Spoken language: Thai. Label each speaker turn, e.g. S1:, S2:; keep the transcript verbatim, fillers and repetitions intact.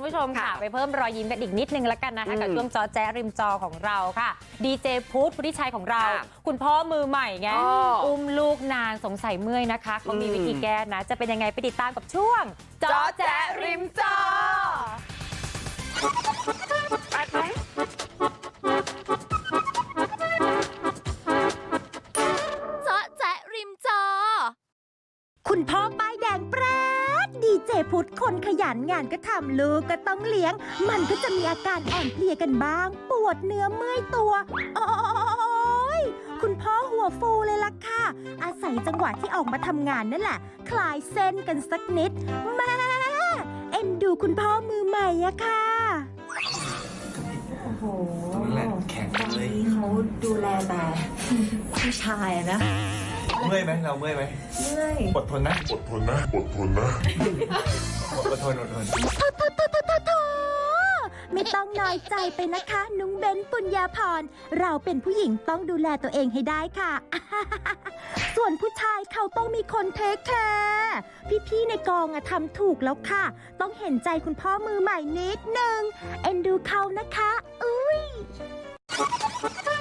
S1: ผู้ชมค่ะไปเพิ่มรอยยิ้มกันอีกนิดนึงแล้วกันนะคะกับช่วงจอแจ๊ริมจอของเราค่ะดีเจพุทธพุทธิชัยของเราคุณพ่อมือใหม่ไงอุ้มลูกนานสงสัยเมื่อยนะคะเขามีวิธีแก้นะจะเป็นยังไงไปติดตามกับช่วงจอแจ๊ริมจอ
S2: จอแจ๊ริมจอ
S3: คุณพ่อป้ายแดงแปรดดีเจพุทธคนขยันงานก็ทำลูกก็ต้องเลี้ยงมันก็จะมีอาการอ่อนเพลียกันบ้างปวดเนื้อเมื่อยตัวโอ้ยคุณพ่อหัวฟูเลยล่ะค่ะอาศัยจังหวะที่ออกมาทำงานนั่นแหละคลายเส้นกันสักนิดแม่เอ็นดูคุณพ่อมือใหม่อะค่ะ
S4: โอ้โห
S5: นั่นแหละแข็ง
S4: ตอน
S5: เลย
S4: นี้เขาดูแลแต่ผู้ชายอะนะ
S5: เมื่อยไหมเราเมื่อยไหม
S4: เมื่อย
S5: อดทนนะอดทนนะอดทนนะอดทนอดทน
S3: โถโถโถโถโถโถไม่ต้องน้อยใจไปนะคะนุ้งเบนปุญญาพรเราเป็นผู้หญิงต้องดูแลตัวเองให้ได้ค่ะ ส่วนผู้ชายเขาต้องมีคนเทคแคร์พี่ๆในกองอะทำถูกแล้วค่ะ ต้องเห็นใจคุณพ่อมือใหม่นิดนึงเอ็นดูเขานะคะอุ้ย